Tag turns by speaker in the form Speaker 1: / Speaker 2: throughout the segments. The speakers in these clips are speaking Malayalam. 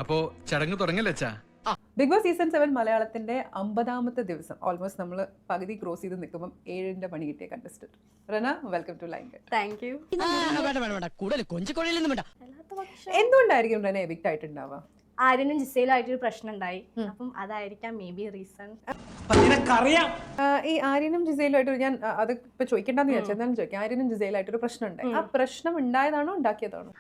Speaker 1: അപ്പോ ചടങ്ങ് തുടങ്ങല്ലേ അച്ഛാ?
Speaker 2: ബിഗ് ബോസ് സീസൺ 7 മലയാളത്തിന്റെ 50ാമത്തെ ദിവസം ഓൾമോസ്റ്റ് നമ്മൾ പകുതി ക്രോസ് ചെയ്ത് നിൽക്കുമ്പോൾ 7ന്റെ പണി കിട്ടിയ contestant Rena, welcome to line cut.
Speaker 3: Thank you.
Speaker 2: എന്തുകൊണ്ടായിരിക്കും റന എവിക്റ്റ് ആയിട്ടുണ്ടാവുക?
Speaker 3: ആര്യനും ജിസയിലായിട്ടൊരു പ്രശ്നം ഉണ്ടായി. അപ്പം അതായിരിക്കാം മേ ബി റീസൺ.
Speaker 2: ഈ ആര്യനും ജിസയിലുമായിട്ട് ഞാൻ അത് ഇപ്പൊ ചോദിക്കണ്ടെന്ന് വിചാരിച്ചു. എന്തായാലും ചോദിക്കാം. ആര്യനും ജിസയിലായിട്ടൊരു പ്രശ്നം ഉണ്ടായി. ആ പ്രശ്നം ഉണ്ടായതാണോ ഉണ്ടാക്കിയതാണോ?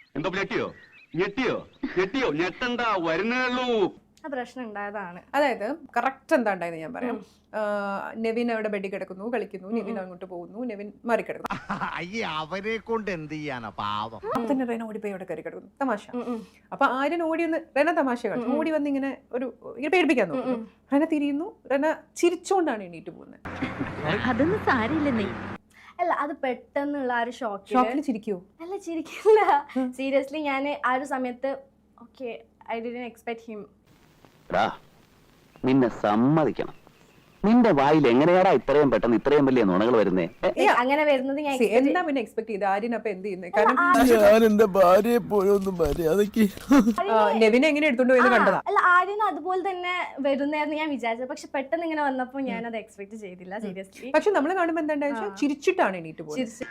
Speaker 3: ആ പ്രശ്നം ഉണ്ടായതാണ്.
Speaker 2: അതായത് കറക്റ്റ് എന്താ ഉണ്ടായെന്ന് ഞാൻ പറയാം. നെവിൻ അവിടെ ബെഡിൽ കിടക്കുന്നു, കളിക്കുന്നു. നെവിൻ അങ്ങോട്ട് പോകുന്നു, നെവിൻ മറിക്കിടക്കുന്നു.
Speaker 4: അവരെ കൊണ്ട് എന്ത് ചെയ്യാനാ പാവം.
Speaker 2: തന്നെ റെന ഓടിപ്പോയി അവിടെ കയറി കിടക്കുന്നു. തമാശ. അപ്പൊ ആര്യൻ ഓടി വന്ന് റെന തമാശ കളിച്ചു. ഓടി വന്ന് ഇങ്ങനെ പേടിപ്പിക്കാൻ നോക്കുന്നു. റെന തിരിയുന്നു. റെന ചിരിച്ചോണ്ടാണ് എണീറ്റ് പോകുന്നത്.
Speaker 5: അതൊന്നും സാരില്ലെന്നേ.
Speaker 3: അല്ല, അത് പെട്ടെന്നുള്ള ആ ഒരു
Speaker 2: ഷോക്കിൽ ചിരിക്കുവോ?
Speaker 3: അല്ല, ചിരിക്കില്ല. സീരിയസ്ലി ഞാൻ ആ ഒരു സമയത്ത് okay, I didn't expect him.
Speaker 6: നിന്നെ സമ്മതിക്കണം. നിന്റെ വായിൽ എങ്ങനെയാടാ ഇത്രയും പെട്ടെന്ന് ഇത്രയും വലിയ നുണകൾ വരുന്നേ?
Speaker 3: അങ്ങനെ വരുന്നത് ഞാൻ
Speaker 2: എന്താ പിന്നെ എക്സ്പെക്ട് ചെയ്ത്? ആര്യൻ അപ്പൊ എന്ത് ചെയ്യുന്നത്? കാരണം
Speaker 4: ഞാൻ എന്റെ ഭാര്യയെ പോയൊന്നും മര്യാദക്ക്
Speaker 2: നെവിനെ എങ്ങനെ എടുത്തോണ്ട് പോയെന്ന് കണ്ടതാ.
Speaker 3: അല്ല, ആര്യനും അതുപോലെ തന്നെ വരുന്നായിരുന്നു ഞാൻ വിചാരിച്ചത്. പക്ഷെ പെട്ടെന്ന് ഇങ്ങനെ വന്നപ്പോ ഞാൻ അത് എക്സ്പെക്ട് ചെയ്തില്ല സീരിയസ്ലി.
Speaker 2: പക്ഷെ നമ്മള് കാണുമ്പോ എന്താ ചിരിച്ചിട്ടാണ് എണീറ്റ് പോകുന്നത്.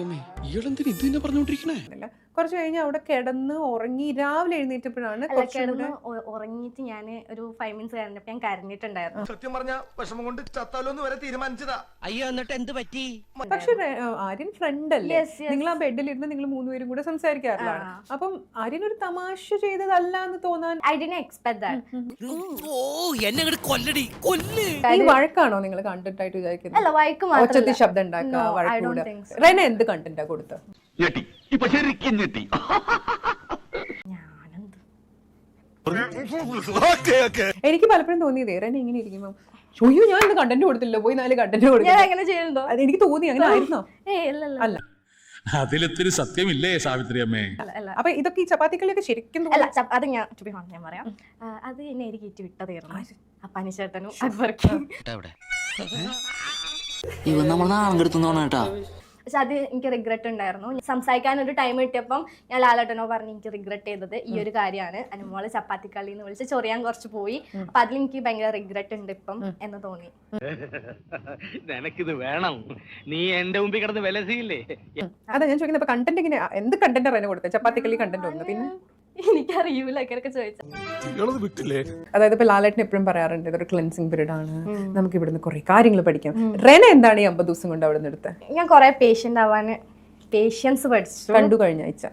Speaker 2: കുറച്ച് കഴിഞ്ഞ് അവിടെ കിടന്ന് ഉറങ്ങി രാവിലെ എഴുന്നേറ്റപ്പോഴാണ്
Speaker 3: ഉറങ്ങിയിട്ട് ഞാൻ ഒരു 5 മിനിറ്റ്സ് കഴിഞ്ഞപ്പോ ഞാൻ കരഞ്ഞിട്ടുണ്ടായിരുന്നു.
Speaker 4: സത്യം പറഞ്ഞ വിഷമം കൊണ്ട് ചത്താലോന്ന് വരെ തീരുമാനിച്ചതാ.
Speaker 5: അയ്യോ, എന്നിട്ട് എന്ത് പറ്റി?
Speaker 2: പക്ഷെ ആര്യൻ ഫ്രണ്ട് അല്ലേ? നിങ്ങൾ ആ ബെഡിലിരുന്ന് നിങ്ങൾ 3 പേരും കൂടെ സംസാരിക്കാറില്ലാണ്. അപ്പം ആര്യൻ ഒരു തമാശ ചെയ്തതല്ല എന്ന് തോന്നാൻ
Speaker 3: ഐ ഡിഡ്ന്റ് എക്സ്പെക്ട് ദാറ്റ്.
Speaker 2: ഈ വഴക്കാണോ നിങ്ങൾ കണ്ടന്റ് ആയിട്ട് വിചാരിക്കുന്നത്?
Speaker 3: അല്ല, വഴക്ക്
Speaker 2: ഒച്ചത്തി ശബ്ദം ഉണ്ടാക്കുക, വഴക്കൂടെ. റെന എന്ത് കണ്ടന്റാ കൊടുത്തത്? എനിക്ക് പലപ്പോഴും തോന്നിയതേ റെന ഇങ്ങനെ ഇരിക്കുമ്പോ അയ്യോ ഞാൻ ഇന്ന് കണ്ടന്റ് കൊടുത്തില്ല, പോയി 4 കണ്ടന്റ് കൊടുത്തു.
Speaker 3: അങ്ങനെ ചെയ്യുന്നുണ്ടോ?
Speaker 2: അത് എനിക്ക് തോന്നി. അങ്ങനെ ആയിരുന്നോ? അല്ല,
Speaker 7: അതിലൊത്തിരി സത്യമില്ലേ സാവിത്രി അമ്മേ?
Speaker 2: അപ്പൊ ഇതൊക്കെ ഈ ചപ്പാത്തിക്കളിയൊക്കെ ശരിക്കും
Speaker 3: അല്ല, അത് ഞാൻ ഞാൻ പറയാം. അത് എന്നെ എനിക്ക് ഇറ്റ് വിട്ടതായിരുന്നു ആ പനിച്ചേട്ടനും അക്ബർക്കും.
Speaker 8: ഇവൻ നമ്മൾ നാളെടുത്തോണ കേട്ടാ.
Speaker 3: പക്ഷെ അത് എനിക്ക് റിഗ്രറ്റ് ഉണ്ടായിരുന്നു. സംസാരിക്കാൻ ഒരു ടൈം കിട്ടിയപ്പം ഞാൻ ലാലേട്ടനോ പറഞ്ഞ് എനിക്ക് റിഗ്രറ്റ് ചെയ്തത് ഈ ഒരു കാര്യമാണ്. അനുമോളെ ചപ്പാത്തിക്കളി എന്ന് വിളിച്ച് ചൊറിയാൻ കുറച്ച് പോയി. അപ്പൊ അതിൽ എനിക്ക് ഭയങ്കര റിഗ്രറ്റ് ഉണ്ട് ഇപ്പം എന്ന് തോന്നി.
Speaker 6: നിനക്കിത് വേണം, നീ എന്റെ മുമ്പിൽ കിടന്ന് വിലസിയില്ലേ?
Speaker 2: അതാ ഞാൻ ചോദിക്കുന്നത്. അപ്പൊ കണ്ടന്റ് ഇങ്ങനെ എന്ത് കണ്ടന്റ് റെന കൊടുത്തത്? ചപ്പാത്തിക്കളി കണ്ടന്റ് ഒന്ന്. പിന്നെ
Speaker 3: എനിക്കറിയൂല, അങ്ങനെയൊക്കെ ചോദിച്ചു.
Speaker 2: അതായത് ഇപ്പൊ ലാലേട്ടൻ എപ്പോഴും പറയാറുണ്ട് ഇതൊരു ക്ലെൻസിങ് പീരീഡ് ആണ്, നമുക്ക് ഇവിടുന്ന് കുറെ കാര്യങ്ങൾ പഠിക്കാം. റെന എന്താണ് ഈ 50 ദിവസം കൊണ്ട് അവിടെ നിന്ന് എടുത്തത്?
Speaker 3: ഞാൻ കുറെ പേഷ്യന്റ് ആവാന് പേഷ്യൻസ് പഠിച്ചു.
Speaker 2: കണ്ടു കഴിഞ്ഞ ആഴ്ച.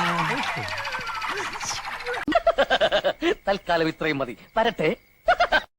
Speaker 6: തൽക്കാലം ഇത്രയും മതി. വരട്ടെ.